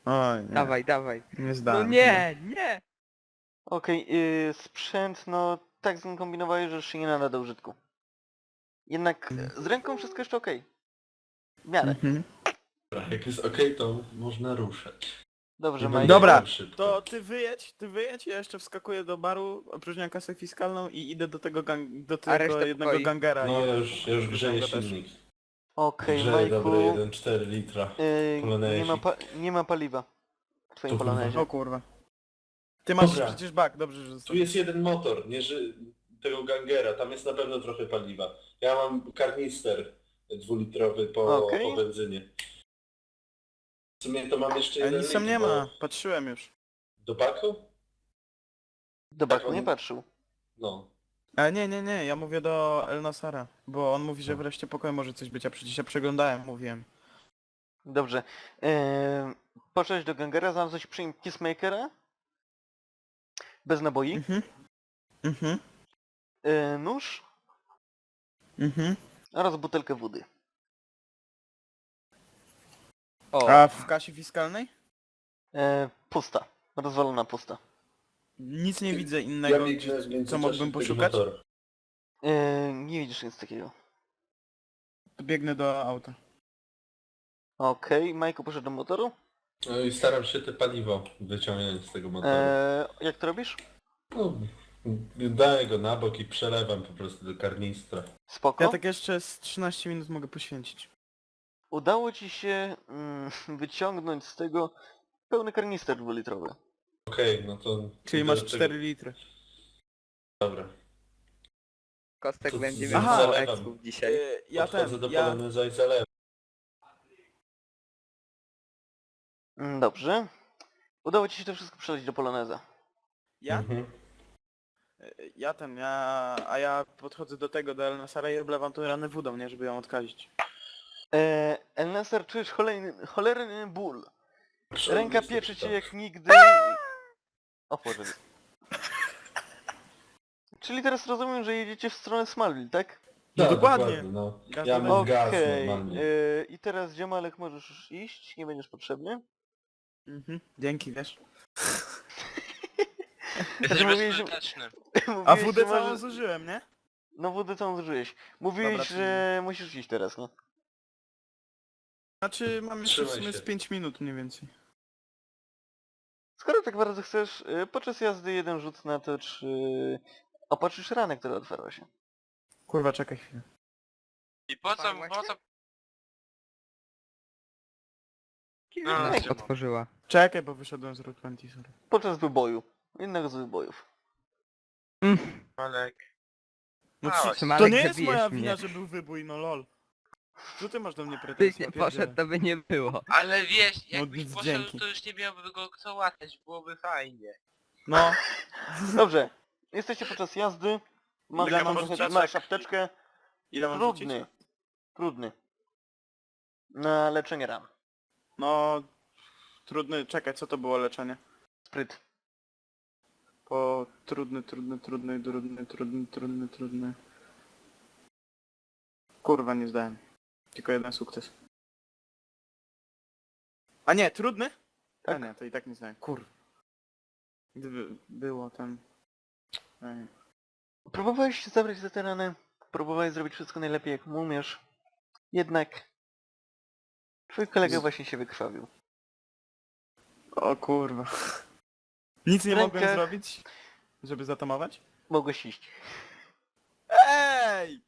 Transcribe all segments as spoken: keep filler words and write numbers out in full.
Oj, nie. Dawaj, dawaj. Nie No zdałem. nie, nie! Okej, yy, sprzęt, no tak zkombinowałeś, że już się nie nada do użytku. Jednak e, z ręką wszystko jeszcze okej. W miarę. Mhm. Dobra, jak jest okej, to można ruszać. Dobrze, Nie Mike. będę Dobra, jechał szybko. To ty wyjedź, ty wyjedź, ja jeszcze wskakuję do baru, opróżniam kasę fiskalną i idę do tego gang, do tego resztę jednego pokoi? gangera. No i ja już, ja już grzeję go też. silnik. Okej, Grzeje dobre Majku. jeden przecinek cztery litra. Yy, Polonezi. nie, ma pa nie ma paliwa w twoim To kurwa. polonezie. O kurwa. Ty masz Dobra. przecież bak, dobrze, że Tu zostawisz. jest jeden motor, nie ży... tego gangera, tam jest na pewno trochę paliwa. Ja mam karnister dwulitrowy po, Okej. po benzynie. W sumie to mam jeszcze A jeden nic tam litr, nie bo- ma, patrzyłem już. Do baku? Do baku on- nie patrzył. No. A nie, nie, nie, ja mówię do El Nasara, bo on mówi, że No. wreszcie pokoju może coś być, a przecież ja przeglądałem, mówiłem. Dobrze. Yy, poszedłeś do gangera, znalazłeś przy nim Peacemakera. Bez naboi. Mhm. Mhm. Yy, nóż Mhm. oraz butelkę wody. O, A w kasie fiskalnej? Yy, pusta. Rozwalona pusta. Nic nie widzę innego, Ja gdzie- biegnę w co międzyczasie mógłbym do tego poszukać. motora. Yy, nie widzisz nic takiego. Biegnę do auta. Okej, Majku poszedł do motoru. No i staram się te paliwo wyciągnąć z tego motoru. Yy, jak to robisz? No, daję go na bok i przelewam po prostu do karnistra. Spoko. Ja tak jeszcze z trzynaście minut mogę poświęcić. Udało ci się mm, wyciągnąć z tego pełny karnister dwulitrowy. Okej, no to... Czyli idę masz do tego- cztery litry. Dobra. Kostek to będzie z- miał Aha. mało ekspów dzisiaj. Yy, ja Podchodzę ten, do ja... poloneza i zalewam. Mm, Dobrze. Udało ci się to wszystko przeleć do Poloneza. Ja? Mhm. Yy, Ja ten, ja... A ja podchodzę do tego, do El Nasara i oblewam tą ranę wodą, nie? Żeby ją odkazić. Eee, Elnesar, czujesz cholerny, cholerny ból. Proszę, Ręka nic nie pieczy cię czytam. jak nigdy. O Boże. Czyli teraz rozumiem, że jedziecie w stronę Smallville, tak? No Tak, dokładnie. No. Gaz Ja do mam gaz Okej. normalnie. eee, I teraz Dziomalek możesz już iść, nie będziesz potrzebny. Mhm. Dzięki, wiesz. Jesteś Znaczy, mówiłeś, że- bezużyteczny. A Mówiłeś, wódę że całą możesz- zużyłem, nie? No wódę całą zużyłeś. Mówiłeś, Dobra, że musisz iść teraz, nie? Znaczy mam jeszcze w Trzymaj sumie się. z pięć minut mniej więcej. Skoro tak bardzo chcesz, y, podczas jazdy jeden rzut na to, czy opatrzysz ranę, która otwarła się. Kurwa, czekaj chwilę. I po co, Farma po się? co... Kiedy No, nas no. otworzyła? Czekaj, bo wyszedłem z Route dwadzieścia, sorry. Podczas wyboju. Jednego z wybojów. Malek. No A, czy, właśnie. to Malek, nie jest zabijesz moja mnie. wina, że był wybój, no lol. Co ty masz do mnie Byś pretensje? nie poszedł, to by nie było. Ale wiesz, No, jakbyś nic, poszedł, dzięki. to już nie miałby go kto łatać, byłoby fajnie. No, Dobrze. Jesteście podczas jazdy. Masz, Ile masz, mam masz, rzucić? masz apteczkę. ile mam Trudny. rzucić? Trudny. Na leczenie ran. No, trudny, czekaj, co to było leczenie? Spryt. Po trudny, trudny, trudny, trudny, trudny, trudny, trudny. Kurwa, nie zdałem. Tylko jeden sukces. A nie, trudny? Tak. A nie, to i tak nie zdałem. Kurwa. Gdyby było tam... Ej. Próbowałeś się zabrać za te rany. Próbowałeś zrobić wszystko najlepiej jak umiesz. Jednak... Twój kolega Z- właśnie się wykrwawił. O kurwa. Nic nie W mogłem rękach- zrobić? Żeby zatamować? Mogłeś iść. Ej!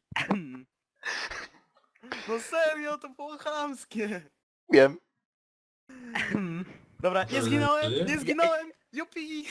No serio, to było chamskie! Wiem. Dobra, nie Ale zginąłem, ty? nie zginąłem! Jupi!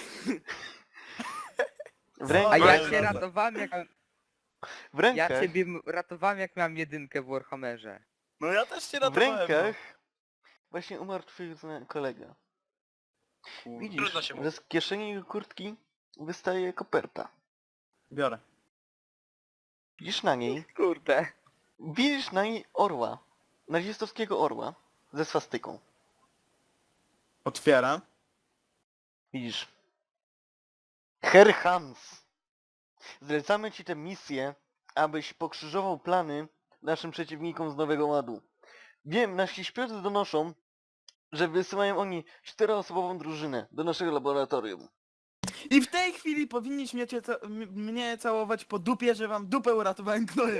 W A rękach... ja Dobra. cię ratowałem jak... W rękach... Ja ciebie m- ratowałem jak miałem jedynkę w Warhammerze. No ja też cię W ratowałem. rękach... Właśnie umarł twój zna- kolega. no. Widzisz, Trudno się że z kieszeni jego kurtki wystaje koperta. Biorę. Widzisz na niej... Kurde. Widzisz na niej orła. Nazistowskiego orła. Ze swastyką. Otwieram. Widzisz. Herr Hans. Zlecamy ci tę misję, abyś pokrzyżował plany naszym przeciwnikom z Nowego Ładu. Wiem, nasi śpiewcy donoszą, że wysyłają oni czteroosobową drużynę do naszego laboratorium. I w tej chwili powinniście cię ca m- mnie całować po dupie, że wam dupę uratowałem gnojem.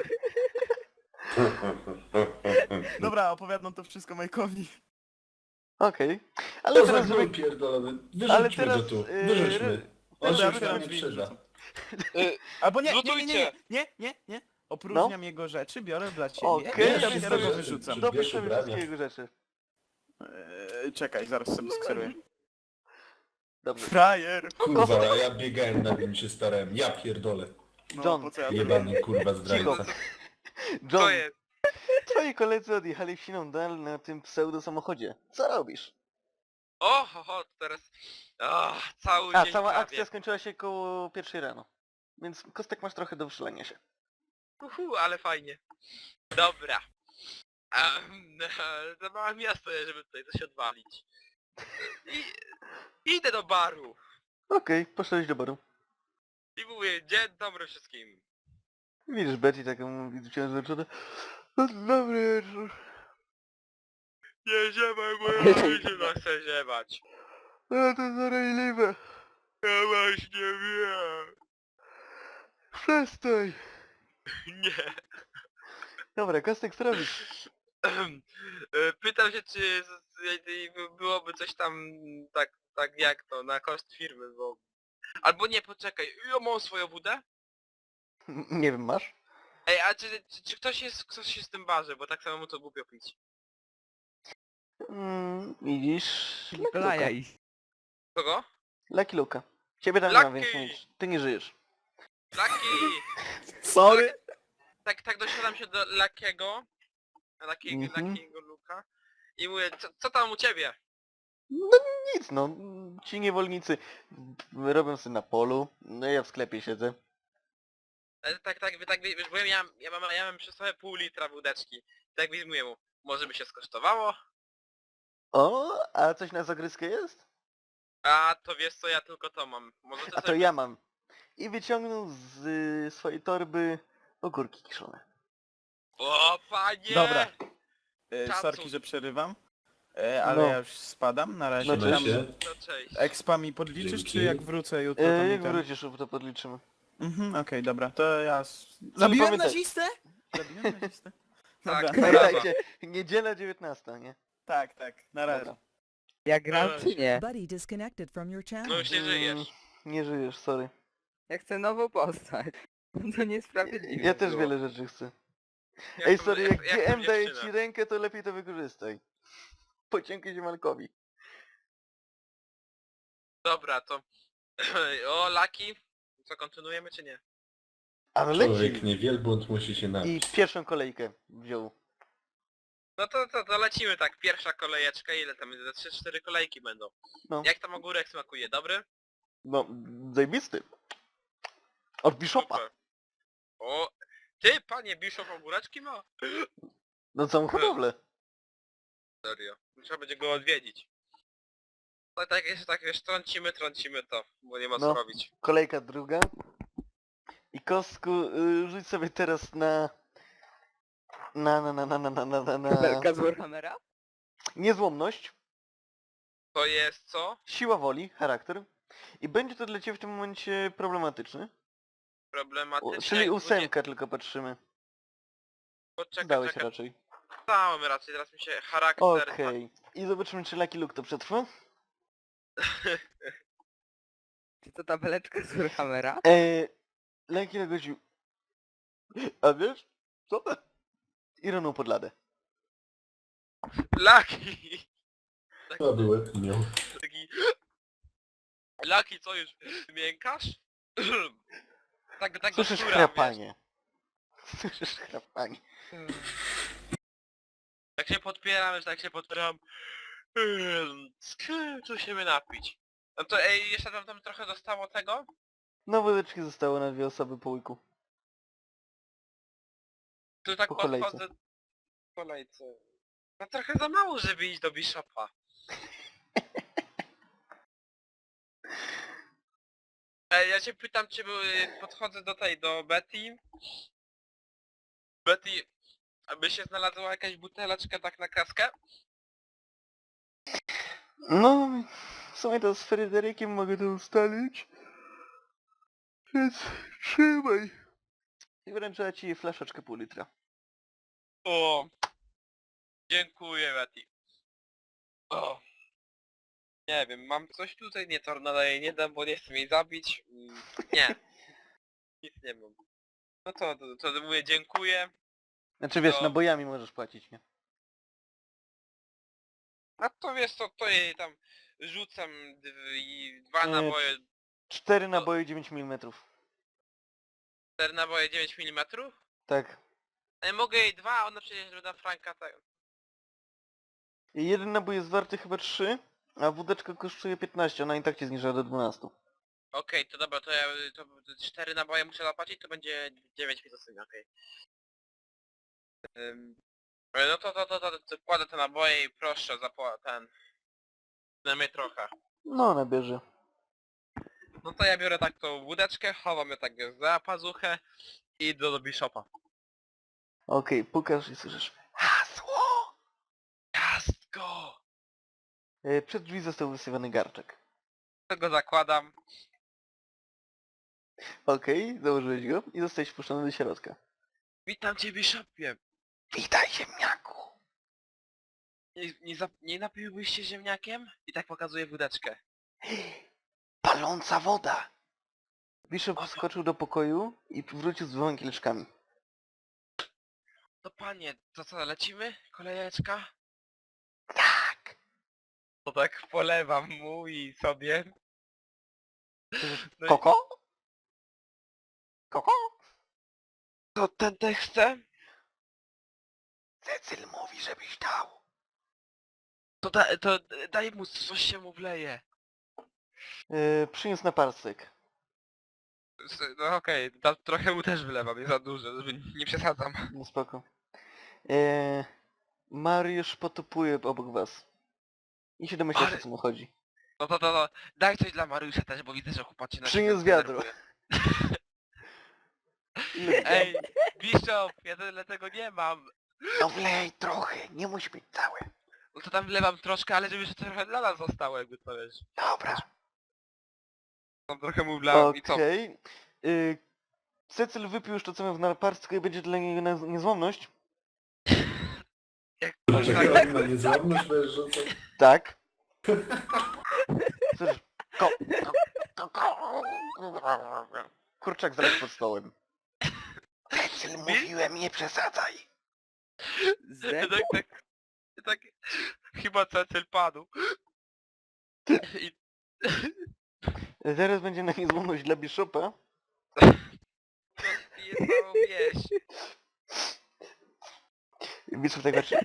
Dobra, opowiadam to wszystko Majkowi. Okej. Ale To za teraz, gnój żeby... pierdolony. Ale Wyrzućmy teraz... go tu. yy, Wyrzućmy. On teraz się już Dobra, tam żeby- nie drzwi przyda. wrzucam. Albo nie, nie, nie, nie, nie, Zlutujcie. nie, nie, nie. Opróżniam jego rzeczy, biorę dla ciebie Okej, i ja dopiero go sobie- wyrzucam. Dopisz Bierz sobie ubrania. wszystkie jego rzeczy. Eee, czekaj, zaraz sobie skseruję. Dobrze. Frajer! Kurwa, a ja biegałem na nim się starałem. Ja pierdolę. No, John. po co ja to robię? Jebany kurwa zdrajca. Co John, jest? twoi koledzy odjechali w siną dal na tym pseudo samochodzie. Co robisz? O, ho, ho, to teraz... O, cały A, dzień cała prawie. akcja skończyła się koło pierwszej rano. Więc Kostek masz trochę do wyszalenia się. Uhu, ale fajnie. Dobra. Um, za małe miasto jest, żeby tutaj coś odwalić. I, idę do baru. Okej, poszedłeś do baru. I mówię, dzień dobry wszystkim. Widzisz Betty taką mówi wciąż zmęczona. Dobry wieczór. Nie ziemaj, bo ja rodzina chce ziemać. Ale to zarejliwe. Ja właśnie wiem. Przestań. Nie. Dobra, Kostek, co robisz? Ehem. E, Pytam się, czy z- z- byłoby coś tam tak, tak jak to, na koszt firmy, bo... Albo nie, poczekaj, ja mam swoją wódę? Nie wiem, masz? Ej, a czy, czy, czy ktoś jest, ktoś jest w tym barze, bo tak samemu to głupio pić. Mm, widzisz... Lucky Luka. Blaja i... Kogo? Lucky Luka. Ciebie tam nie ma, Lucky! więc nic. Ty nie żyjesz. Lucky! Sorry! Tak, tak dosiadam się do Luckiego, Luckiego, Mhm. Luckiego Luka i mówię, co, co tam u ciebie? No nic, no. Ci niewolnicy robią sobie na polu. No ja w sklepie siedzę. E, Tak, tak, tak, wiesz, bo ja, ja, mam, ja mam przy sobie pół litra wódeczki. Tak wyjmuję mu, może by się skosztowało? O, a coś na zagryzkę jest? A to wiesz co, ja tylko to mam. Może ty A to sobie... ja mam. I wyciągnął z y, swojej torby ogórki kiszone. O panie! Dobra. E, Szacun. sorki, że przerywam. E, ale No. ja już spadam, na razie. No Tam cześć. się. No cześć. expa mi podliczysz, Dzięki. czy jak wrócę jutro to E, mi jak ten... wrócisz, to podliczymy. Mhm, okej, dobra, to ja... s- Zabiłem pamiętaj- nazistę? Zabiłem nazistę? Tak. Dobra, Pamiętajcie, niedziela dziewiętnasta, nie? tak, tak, na razie. Dobra. Ja gram czy nie? Buddy disconnected from your channel. No już nie żyjesz. Mm, nie żyjesz, sorry. Ja chcę nową postać. To niesprawiedliwe Ja też było. wiele rzeczy chcę. Jak Ej, to- sorry, jak jak G M to daje dziewczyna. ci rękę, to lepiej to wykorzystaj. Pociągnij się Malkowi. Dobra, to... O, Lucky. Co, kontynuujemy czy nie? Ale Człowiek leci. nie wielbłąd musi się I napić. pierwszą kolejkę wziął. No to, to, to lecimy tak, pierwsza kolejeczka, ile tam, ze trzy cztery kolejki będą. No. Jak tam ogórek smakuje, dobry? No, zajebisty. Od Bishopa. Super. O, ty, panie Bishop, ogóreczki ma? No całą hodowlę. Serio. Trzeba będzie go odwiedzić. No tak, jeszcze tak, wiesz, trącimy, trącimy to, bo nie ma co No. robić. Kolejka druga. I Kostku, y, rzuć sobie teraz na... Na, na, na, na, na, na, na, na, na... Belka z Warhammera? Niezłomność, To jest co? siła woli, charakter. I będzie to dla ciebie w tym momencie problematyczny. U, Problematyczne. czyli jak ósemkę tylko patrzymy. będzie- Poczekaj, Dałeś czekaj, raczej. dałem raczej, teraz mi się charakter... Okej. I zobaczymy, czy Lucky Luke to przetrwa. Czy to ta beleczka z Warhammera? Eee, Lucky Luke gościu. A wiesz? Co? I runął pod ladę. Lucky! To były miał. Taki... Lucky, co już? Miękasz? tak, tak Słyszysz szczura, chrapanie. Słyszysz chrapanie. wiesz. Jak się podpieram, że tak się podpieram... Ym, Co się by napić? No to ej, jeszcze tam, tam trochę zostało tego? No wódeczki zostało na dwie osoby po łyku. Tu tak Po kolejce. podchodzę... Po kolejce. No trochę za mało, żeby iść do Bishopa. Ej, ja cię pytam, czy były... podchodzę do tej, do Betty. Betty, aby się znalazła jakaś buteleczka tak na kaskę? No, w sumie to z Fryderykiem mogę to ustalić. Więc trzymaj. I wręczę ci flaszeczkę pół litra. O! Dziękuję, Mati. O! Nie wiem, mam coś tutaj? Nie, tornada jej nie dam, bo nie chcę jej zabić. Mm, Nie. Nic nie mam. No to, to, to mówię dziękuję. Znaczy wiesz, To- nabojami możesz płacić, nie? A to wiesz co, to jej tam rzucam dw- i dwa E, naboje, Cztery naboje dziewięć milimetrów. cztery naboje dziewięć milimetrów? Tak. Ale mogę jej dwa, a ona przecież doda Franka tak. I jeden nabój jest warty chyba trzy, a wódeczka kosztuje piętnaście, ona i tak ci zniża do dwunastu. Okej, to dobra, to ja to cztery naboje muszę zapłacić, to będzie dziewięć mi okej. Ym, No to, to, to, to, to kładę te naboje i proszę zapła ten. Przynajmniej trochę. No, ona bierze. No to ja biorę tak tą łódeczkę, chowam ją tak za pazuchę i idę do Bishopa. Okej, pukasz i słyszysz hasło! Ciastko! E, Przed drzwi został wysyłany garczek. To go zakładam. Okej, założyłeś go i zostałeś wpuszczony do środka. Witam cię, Bishopie! Witaj, ziemniaku! Nie, nie, zap- nie napiłbyś się ziemniakiem? I tak pokazuję wódeczkę. Paląca woda! Bishop wskoczył do pokoju i wrócił z dwoma kieliszkami. To panie, to co, lecimy? Kolejeczka? Tak! To tak polewam mu i sobie. No i- Koko? Koko? To ten też chce? Cecyl mówi, żebyś dał. To, da, to daj mu, coś się mu wleje. Yy, przyniósł na parsek. S- No okej, da- trochę mu też wlewam, nie za dużo, żeby nie przesadzam. No spoko. Yy, Mariusz potopuje obok was. I się domyślasz, Ale- o co mu chodzi. No to, to, to daj coś dla Mariusza też, bo widzę, że chłopacie na Przyniósł siebie wiadro. denerwują. Ile- Ej, Bishop, ja tyle tego nie mam. No wlej trochę, nie musi być całe. No to tam wlewam troszkę, ale żeby jeszcze trochę dla nas zostało, jakby to wiesz. Dobra. Tam trochę mu wlałem i co? Okej. Yy, Cecyl wypił już to, co miał w naparstku i będzie dla niego na niezłomność. Jak Dlaczego tak, on na niezłomność będziesz rzucał? Tak. Słyszysz? Ko, ko, ko, ko. Kurczak zaraz pod stołem. Cecyl, mówiłem, nie przesadzaj. Zręcz. tak, tak, tak, chyba Cecil padł. I Zaraz będzie na niezłomność dla Bishopa. to pije całą wieś. Bishop tak patrzy.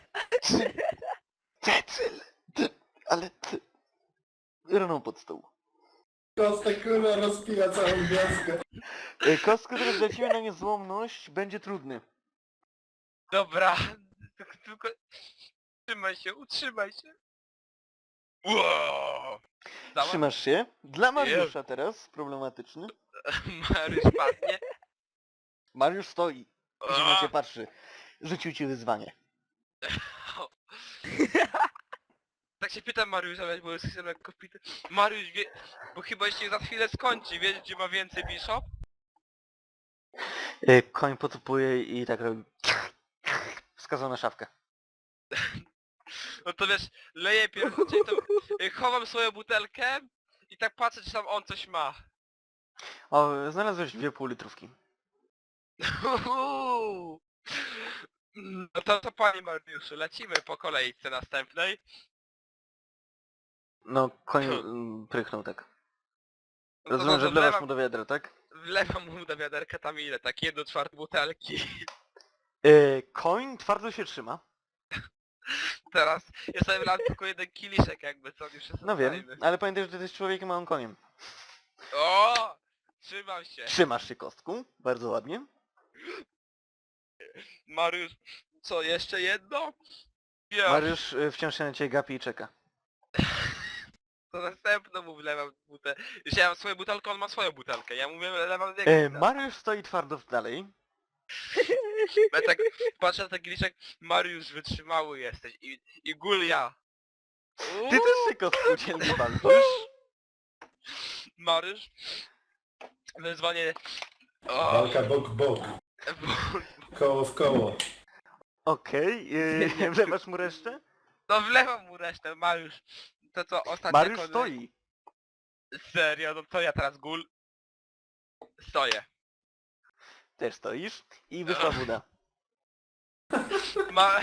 Cecyl! Ty, ale ty... Runął pod stół. Kostek kurwa rozpija całą wioskę. E, Kostko, teraz dla ciebie na niezłomność będzie trudny. Dobra, tylko, tylko utrzymaj się, utrzymaj się. Wow. Dała? Trzymasz się. Dla Mariusza teraz, problematyczny. Mariusz padnie. Mariusz stoi. I się na A! ciebie patrzy. Rzucił ci wyzwanie. Tak się pytam Mariusza, bo jest jestem lekko pity. Mariusz wie, bo chyba się za chwilę skończy, wiesz gdzie ma więcej Bishop? E, Koń potupuje i tak robi. Wskazał na szafkę. No to wiesz, leję pierwszy, czyli to y, chowam swoją butelkę i tak patrzę czy tam on coś ma. O, znalazłeś dwie półlitrówki. Uhu. No to co panie Mariuszu, lecimy po kolejce następnej. No, koń mm, prychnął tak. No to, Rozumiem, to, że to wlewasz wlewam, mu do wiadra, tak? wlewam mu do wiaderka tam ile, tak jedno czwarte butelki. E, Koń twardo się trzyma. Teraz ja sobie wlałem tylko jeden kieliszek jakby, co już jest No wiem, ale pamiętaj, że ty jesteś człowiekiem, a on koniem. O! Trzymam się. Trzymasz się kostką, bardzo ładnie. Mariusz, co, jeszcze jedno? Ja, Mariusz e, wciąż się na ciebie gapi i czeka. to następną mu wlewam butelkę. Już ja mam swoją butelkę, on ma swoją butelkę. Ja mówię, wlewam jego E, butelkę. Mariusz stoi twardo dalej. Ja tak patrzę na ten kieliszek, Mariusz wytrzymały jesteś i, i Gulia. Ty też się kostku dzielnie walczysz. Marysz. Wyzwanie... O, Walka bok w bok. Koło w koło. Okej, yy, wlewasz mu resztę? no wlewam mu resztę, Mariusz. To co, ostatnia Mariusz kolej- stoi. Serio, no to ja teraz gul. Stoję. Też stoisz. I wyszła woda. Ma...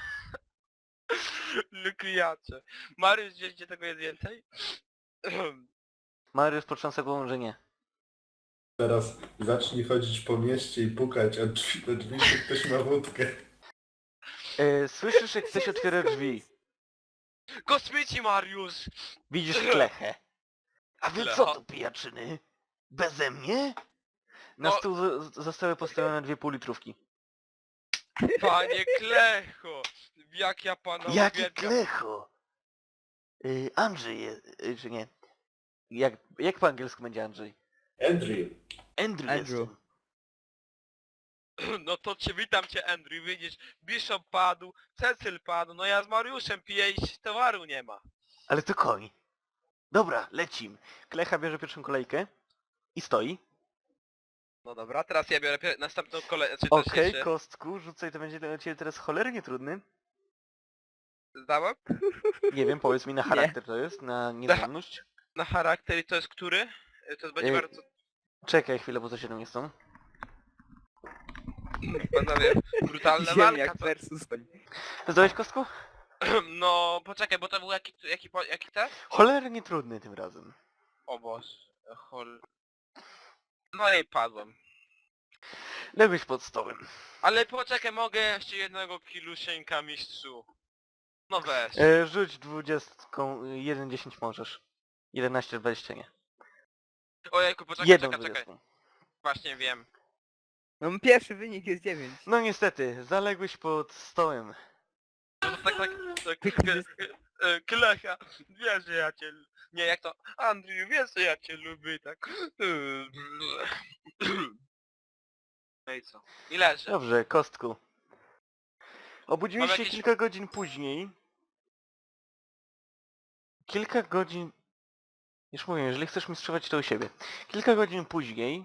Lukriacze. Mariusz, gdzieś gdzie tego jest więcej? Mariusz potrząsa głową, że nie. Teraz zacznij chodzić po mieście i pukać, a drzwi do drzwi, czy ktoś ma wódkę. Yy, słyszysz, jak ktoś otwiera drzwi. Kosmici, Mariusz! Widzisz klechę. A wy Klecha. co tu, pijaczyny? Beze mnie? Na No. stół z- zostały postawione dwie półlitrówki. Panie Klecho! Jak ja pana Jaki uwielbiam. klecho? Yy, Andrzej jest, yy, czy nie? Jak, jak po angielsku będzie Andrzej? Andrew. Andrew, Andrew. jestem. No to cię witam cię, Andrew, widzisz, Bishop padł, Cecil padł, no ja z Mariuszem piję i towaru nie ma. Ale to koń. Dobra, lecim. Klecha bierze pierwszą kolejkę i stoi. No dobra, teraz ja biorę pier- następną kolejkę, czy Okej, też jeszcze kostku, rzucaj, to będzie dla ciebie teraz cholernie trudny. zdałem? Nie wiem, powiedz mi na charakter to jest, na niezłomność. Na charakter i to jest który? To jest będzie Ej. bardzo... Czekaj chwilę, bo to siedem jest tą. Panowie, brutalna walka, Ziemniak co? versus koń. Zdałeś kostku? No, poczekaj, bo to był jaki, jaki, po- jaki ten? Cholernie trudny tym razem. O Boże, chol... No i padłem. Ległeś pod stołem. Ale poczekaj, mogę jeszcze jednego kilusieńka, mistrzu. No weź. E, rzuć dwudziestką, jeden dziesięć możesz. jedenaście dwadzieścia nie. Ojejku, poczekaj, Jedną czekaj, czekaj. dwudziestką. Właśnie wiem. No pierwszy wynik jest dziewięć. No niestety, zaległeś pod stołem. No tak, tak, tak, k- k- e, Klecha, wiesz, że ja cię... l- Nie, jak to? Andrew, wiesz, że ja cię lubię, tak? No i co? I leży. Dobrze, kostku. Obudziłeś Mam się jakieś- kilka godzin później. Kilka godzin... Już mówię, jeżeli chcesz mistrzować to u siebie. Kilka godzin później...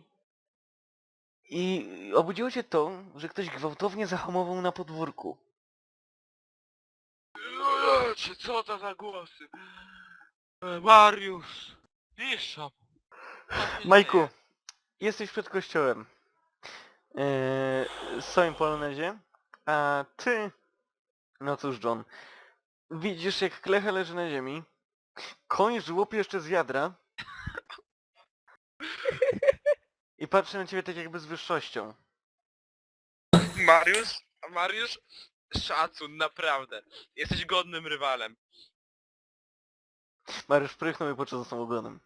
I obudziło cię to, że ktoś gwałtownie zahamował na podwórku. Czy co to za głosy? E, Mariusz! Bishop! Co się Majku, dzieje? jesteś przed kościołem. Eee, w swoim polonezie. A ty... No cóż, John. Widzisz, jak klecha leży na ziemi. Koń żłopie jeszcze z wiadra. I patrzy na ciebie tak jakby z wyższością. Mariusz? Mariusz? Szacun, naprawdę. Jesteś godnym rywalem. Mariusz prychnął i począł za sobą ogonem.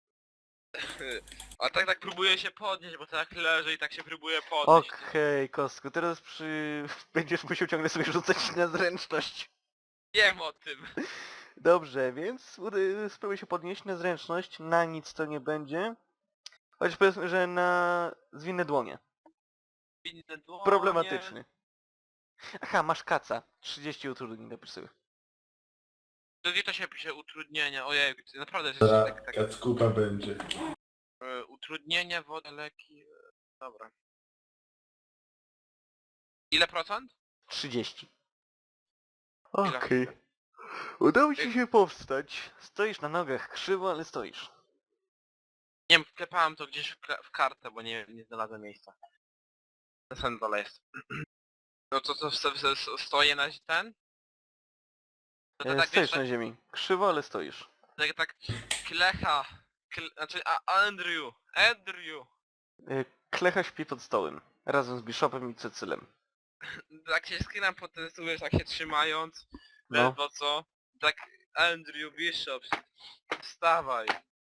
A tak tak próbuję się podnieść, bo tak leży i tak się próbuję podnieść. Okej, kostku, teraz przy... będziesz musiał ciągle sobie rzucać na zręczność. Wiem o tym. Dobrze, więc uda- spróbuj się podnieść na zręczność, na nic to nie będzie. Choć powiedzmy, że na zwinne dłonie. Inne dłonie. Problematyczny. Aha, masz kaca. trzydzieści utrudnień napisz sobie. To gdzie to się pisze utrudnienia? Ojej, naprawdę jest Teraz tak, tak. kackupa będzie. E, utrudnienia, woda, leki. e, Dobra. Ile procent? trzydzieści. Ile? Okej. Udało ci się powstać. Stoisz na nogach krzywo, ale stoisz. Nie wiem, wklepałem to gdzieś w, kla- w kartę, bo nie, nie znalazłem miejsca. Na samym dole jest. No to co, sto- sto- stoję na ten? To, to E, tak stoisz wiesz, tak, na ziemi. Krzywo, ale stoisz. tak, tak klecha, kle, znaczy a, Andrew, Andrew. E, Klecha śpi pod stołem. Razem z Bishopem i Cecylem. Tak się skinam po ten stół, wiesz, tak się trzymając, No. ledwo co. Tak Andrew Bishop, wstawaj.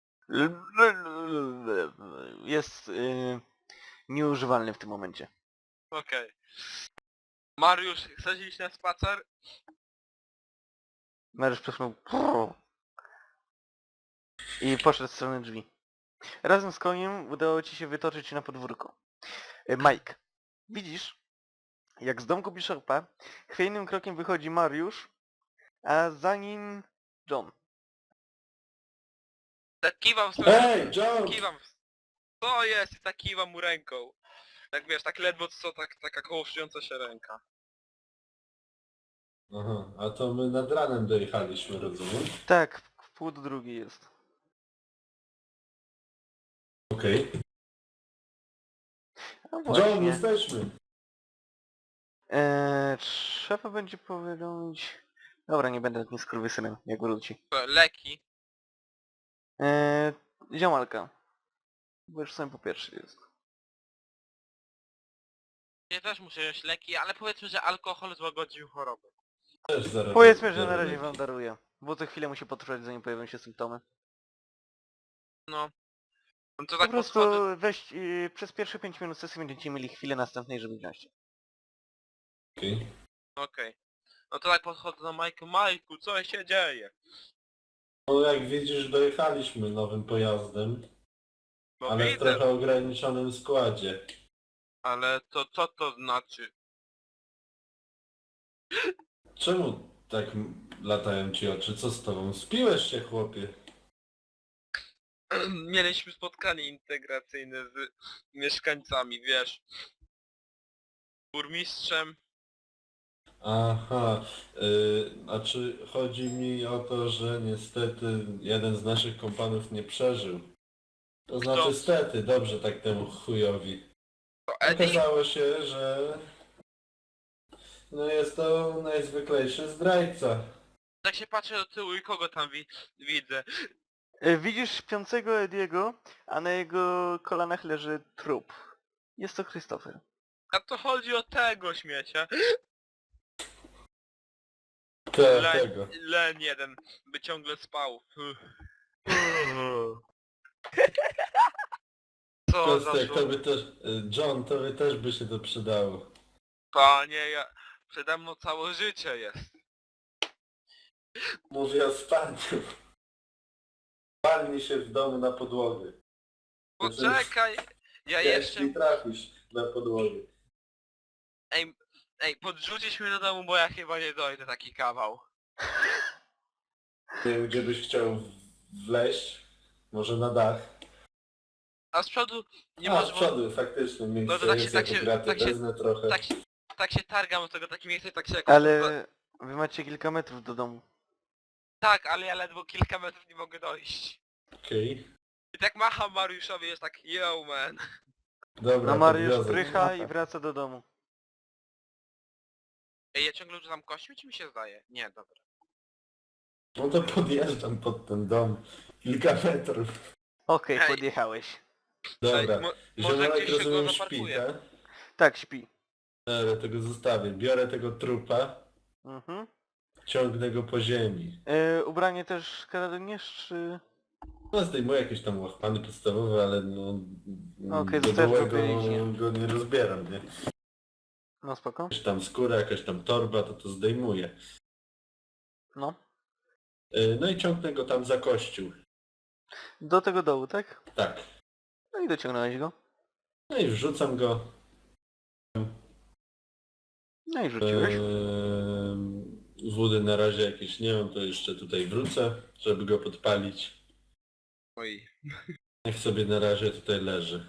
Jest y, nieużywalny w tym momencie. Okej. Mariusz, chcesz iść na spacer? Mariusz przesnął i poszedł w stronę drzwi. Razem z koniem udało ci się wytoczyć się na podwórko. E, Mike, widzisz, jak z domku Bishopa chwiejnym krokiem wychodzi Mariusz, a za nim John. Tak kiwam w stronę... Ej, John! Kiwam w... Co jest? I tak kiwam mu ręką. Tak wiesz, tak ledwo co, tak, taka kołyszująca się ręka. Aha, a to my nad ranem dojechaliśmy, rozumiem? Tak, w pół do drugiej jest. Okej. No John, właśnie. jesteśmy! Eee, trzeba będzie powiadomić... Dobra, nie będę nie skurwysynem, jak wróci. Co, leki. Eee, ziomalka. Bo już sam po pierwszy jest. Ja też muszę wziąć leki, ale powiedzmy, że alkohol złagodził chorobę. Też zaraz Powiedzmy, że na biorę razie leki. wam daruję. Bo to chwilę musi potrwać, zanim pojawią się symptomy. No. No to Po tak prostu podchodzę... weź yy, przez pierwsze pięć minut sesji będziecie mieli chwilę następnej, żeby wziąć. Okej. Okej. No to tak podchodzę do Majku. Majku, co się dzieje? No jak widzisz, dojechaliśmy nowym pojazdem, No ale w widzę, trochę ograniczonym składzie. ale to co to znaczy? Czemu tak m- latają ci oczy? Co z tobą? Spiłeś się, chłopie? Mieliśmy spotkanie integracyjne z mieszkańcami, wiesz. Burmistrzem. Aha, yy, znaczy chodzi mi o to, że niestety jeden z naszych kompanów nie przeżył. To znaczy Kto? stety, dobrze tak temu chujowi. To Eddie? Okazało się, że no jest to najzwyklejszy zdrajca. Tak się patrzę do tyłu i kogo tam wi widzę. Yy, widzisz śpiącego Ediego, a na jego kolanach leży trup. Jest to Christopher. A to chodzi o tego śmiecia. Te, Len, tego. len jeden, by ciągle spał. Co za Kostek, to by żółt. też, y, John, to by też by się to przydało. Panie, ja... Przede mną całe życie jest. Mówię o spaniu. Palnij się w domu na podłogę. Poczekaj, ja jeszcze... Jeśli trafisz na podłogę. Ej, ej, podrzucić mnie do domu, bo ja chyba nie dojdę taki kawał. Nie wiem, gdzie byś chciał w- wleźć. Może na dach. A z przodu nie A, może... z przodu, faktycznie. No to tak się- Miejsce tak jest, się- graty tak się- wezmę trochę. Tak się, tak się targam do tego takim miejscem, tak się jakoś... Ale wy macie kilka metrów do domu. Tak, ale ja ledwo kilka metrów nie mogę dojść. Okej. I tak macham Mariuszowi, jest tak, yo man. Dobra, No Mariusz podwiozę cię. prycha i wraca do domu. Ej, ja ciągle rzucam kośćmi, czy mi się zdaje? Nie, dobra. No to podjeżdżam pod ten dom. Kilka metrów. Okej, Ej. podjechałeś. Dobra. Ej, mo może Ziomalek, gdzieś się go rozumiem, śpi, zaparkuję. tak? Tak, śpi. Dobra, tego zostawię. Biorę tego trupa, Mhm. ciągnę go po ziemi. Yy, ubranie też kradniesz, czy... No zdejmuję jakieś tam łachmany podstawowe, ale no... Okej, do zostawiasz go gołego pięknie. go nie rozbieram, nie? No spoko. Jakaś tam skóra, jakaś tam torba, to to zdejmuję. No. Yy, No i ciągnę go tam za kościół. Do tego dołu, tak? Tak. No i dociągnąłeś go. No i wrzucam go. No i rzuciłeś. Yy, Wody na razie jakieś nie mam, to jeszcze tutaj wrócę, żeby go podpalić. Oj. Niech sobie na razie tutaj leży.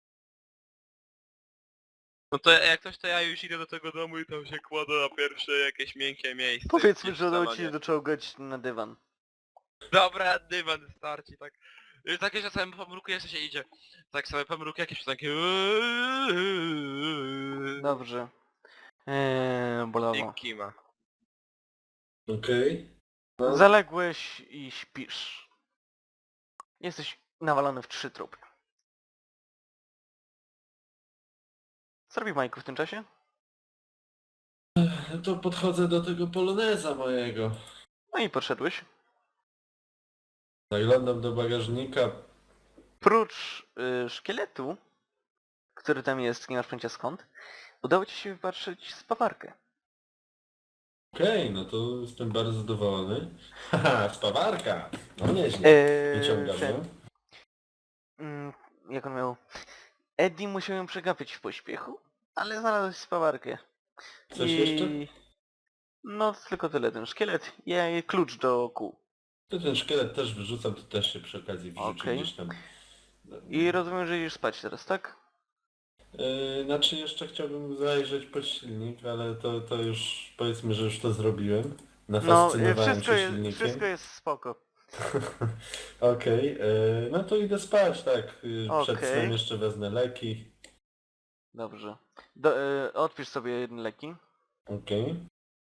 No to jak coś, to ja już idę do tego domu i tam się kładę na pierwsze jakieś miękkie miejsce. Powiedzmy, gdzieś że w udało ci salonie. się doczołgać na dywan. Dobra, dywan starczy, tak. I takie czasami pomruku jeszcze się idzie. Tak sobie pomruku jakieś takie... Dobrze. Eee, bolało. I kima. Okej. No. Zaległeś i śpisz. Jesteś nawalony w trzy trupy. Co robi Majku w tym czasie? No to podchodzę do tego poloneza mojego. No i podszedłeś. Zaglądam do bagażnika. Prócz y, szkieletu, który tam jest, nie masz pojęcia skąd, udało ci się wypatrzyć spawarkę. Okej, no to jestem bardzo zadowolony. Haha, spawarka! No nieźle. Eee, Wyciągam ten, ją. mm, jak on miał... Eddie musiał ją przegapić w pośpiechu, ale znalazłeś spawarkę. Coś jeszcze? No tylko tyle, ten szkielet i klucz do kół. To ten szkielet też wyrzucam, to też się przy okazji wrzuci Okej. gdzieś tam. I rozumiem, że idziesz spać teraz, tak? Yy, znaczy jeszcze chciałbym zajrzeć pod silnik, ale to, to już powiedzmy, że już to zrobiłem. No, Nafascynowałem wszystko się jest, silnikiem. wszystko jest spoko. Okej, yy, no to idę spać, tak. Yy, Przed Okej. snem jeszcze wezmę leki. Dobrze. Do, y, odpisz sobie jedne leki. Okej.